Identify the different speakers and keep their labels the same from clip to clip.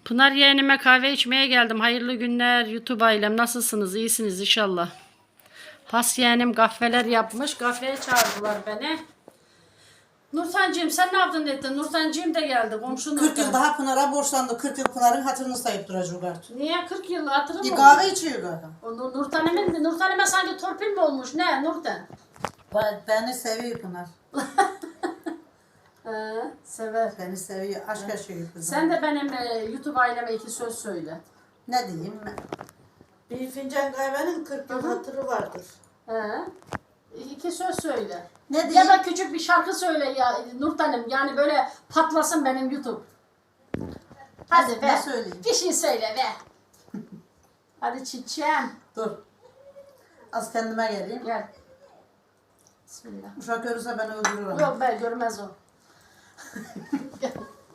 Speaker 1: Pınar yeğenime kahve içmeye geldim. Hayırlı günler YouTube ailem. Nasılsınız? İyisiniz inşallah. Pas yeğenim kahveler yapmış. Kahveye çağırdılar beni. Nurtancığım sen ne yaptın dedin? Nurtancığım da geldi. Komşu
Speaker 2: 40 yıl
Speaker 1: Nurtan.
Speaker 2: daha Pınar'a borçlandı. 40 yıl Pınar'ın hatırını sayıp duracak artık.
Speaker 1: Niye 40 yıl hatırım mı?
Speaker 2: Kahve içiyor galiba.
Speaker 1: Nurtan'ıma sanki torpil mi olmuş? Ne Nurtan?
Speaker 2: Beni seviyor Pınar.
Speaker 1: Sever.
Speaker 2: Beni seviyor. Aşk yaşıyor kızım.
Speaker 1: Sen de benim YouTube aileme 2 söz söyle.
Speaker 2: Ne diyeyim?
Speaker 3: Bir fincan kahvenin 40 yıl hatırı vardır.
Speaker 1: 2 söz söyle.
Speaker 2: Ne
Speaker 1: Ya
Speaker 2: diyeyim?
Speaker 1: da küçük bir şarkı söyle ya Nurtan'ım. Yani böyle patlasın benim YouTube. Hadi
Speaker 2: Ne
Speaker 1: be.
Speaker 2: söyleyeyim?
Speaker 1: Bir şey söyle be. Hadi çiçeğim.
Speaker 2: Dur. Az kendime geleyim.
Speaker 1: Gel. Bismillah.
Speaker 2: Uşak görürse beni öldürür ama.
Speaker 1: Yok be görmez o. Gel.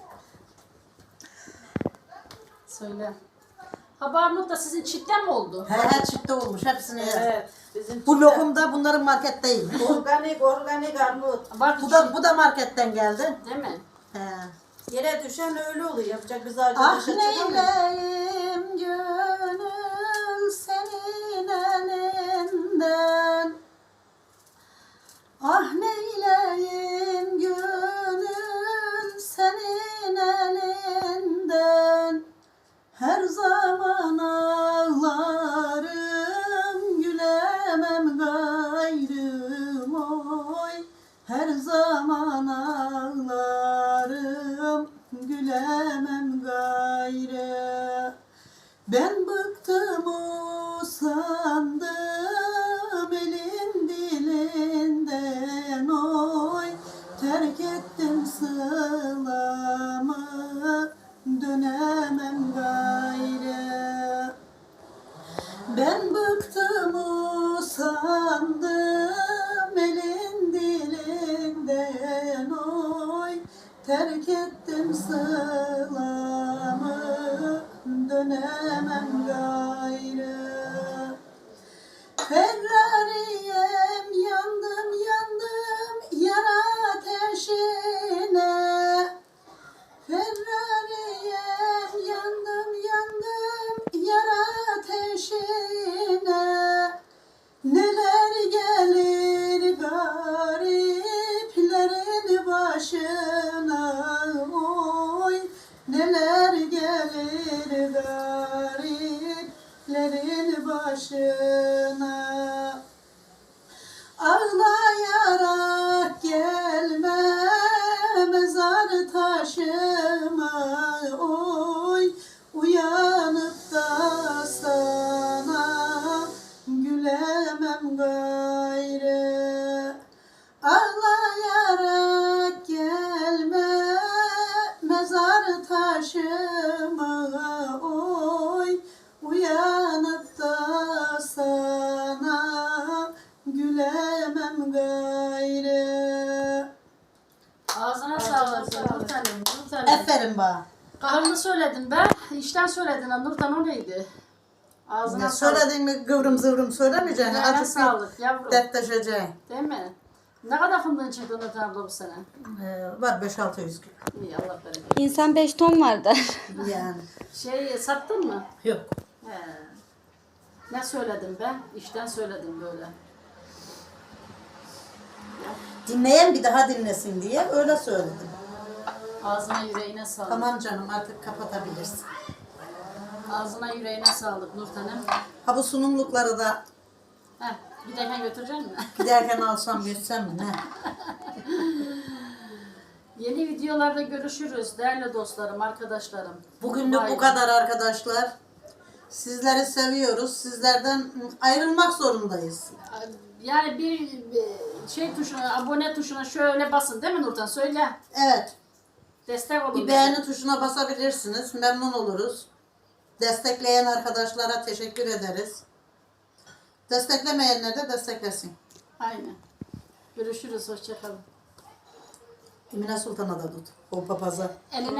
Speaker 1: Söyle. Haber da sizin çiftten mi oldu?
Speaker 2: He çifte olmuş. Hepsini yer.
Speaker 3: Evet. Bizim
Speaker 2: Bu lokum da bunların market değil.
Speaker 3: organik armut.
Speaker 1: Bak
Speaker 2: Bu da marketten geldi.
Speaker 1: değil mi?
Speaker 2: He.
Speaker 3: Yere düşen öyle oluyor. Yapacak biz ağaca
Speaker 2: Ah
Speaker 3: taşa çıkamayız.
Speaker 2: neyleyim gönül senin elinden. Ah neyleyim gönül senin elinden. Her zaman ağlarım gülemem gayrım oy. Her zaman ağlarım gülemem gayrı. Ben bıktım usandım elin dilinden oy. Terk ettim sılamı dönemem gayrı. Ben bıktım usandım elin dilinden oy. Terk ettim sılamı dönemem gayrı. Ferrari'yem yandım yandım yar ateşine. Ferrari'yem yandım yandım yar ateşine. Neler gelir gariplerin başına oy. Neler gelir gariplerin başına. Ağlayarak gelme mezar taşıma oy. Uyanıp da sana gülemem gayrı. Ağlayarak gelme mezar taşıma oy. Uyanıp da sana gülemem gayrı.
Speaker 1: Ağzına sağlık Nurtan'ım. Nurtan'ım.
Speaker 2: Aferin bana.
Speaker 1: Kahrını söyledin be. İşten söyledin ha Nurtan o neydi? Ağzına
Speaker 2: Ya
Speaker 1: sağlık.
Speaker 2: söylediğin mi kıvrım zıvrım söylemeyeceksin.
Speaker 1: Yüreğine
Speaker 2: Azıcık
Speaker 1: sağlık yavrum.
Speaker 2: dertleşeceksin.
Speaker 1: Değil mi? Ne kadar fındığın çıktı Nurtan abla bu sene?
Speaker 2: Var 5-600 kilo.
Speaker 1: İyi Allah bereket.
Speaker 4: İnsan 5 ton var der.
Speaker 2: Yani.
Speaker 1: Sattın mı?
Speaker 2: Yok.
Speaker 1: He. Ne söyledim ben? İşten söyledim böyle.
Speaker 2: Dinleyen bir daha dinlesin diye öyle söyledim.
Speaker 1: Ağzına yüreğine sağlık.
Speaker 2: Tamam canım artık kapatabilirsin.
Speaker 1: Ağzına yüreğine sağlık Nurtan'ım.
Speaker 2: Ha bu sunumlukları da
Speaker 1: Heh, giderken götürecek misin?
Speaker 2: giderken alsam geçsem mi ne?
Speaker 1: Yeni videolarda görüşürüz değerli dostlarım, arkadaşlarım.
Speaker 2: Bugünlük
Speaker 1: Vay.
Speaker 2: bu kadar arkadaşlar. Sizleri seviyoruz. Sizlerden ayrılmak zorundayız.
Speaker 1: Yani bir tuşuna, abone tuşuna şöyle basın değil mi Nurtan? Söyle.
Speaker 2: Evet.
Speaker 1: Destek olun.
Speaker 2: Bir
Speaker 1: bize.
Speaker 2: beğeni tuşuna basabilirsiniz. Memnun oluruz. Destekleyen arkadaşlara teşekkür ederiz. Desteklemeyenler de desteklesin.
Speaker 1: Aynen. Görüşürüz. Hoşça kalın.
Speaker 2: Emine Sultan'a da tut. O papaza.
Speaker 1: Eline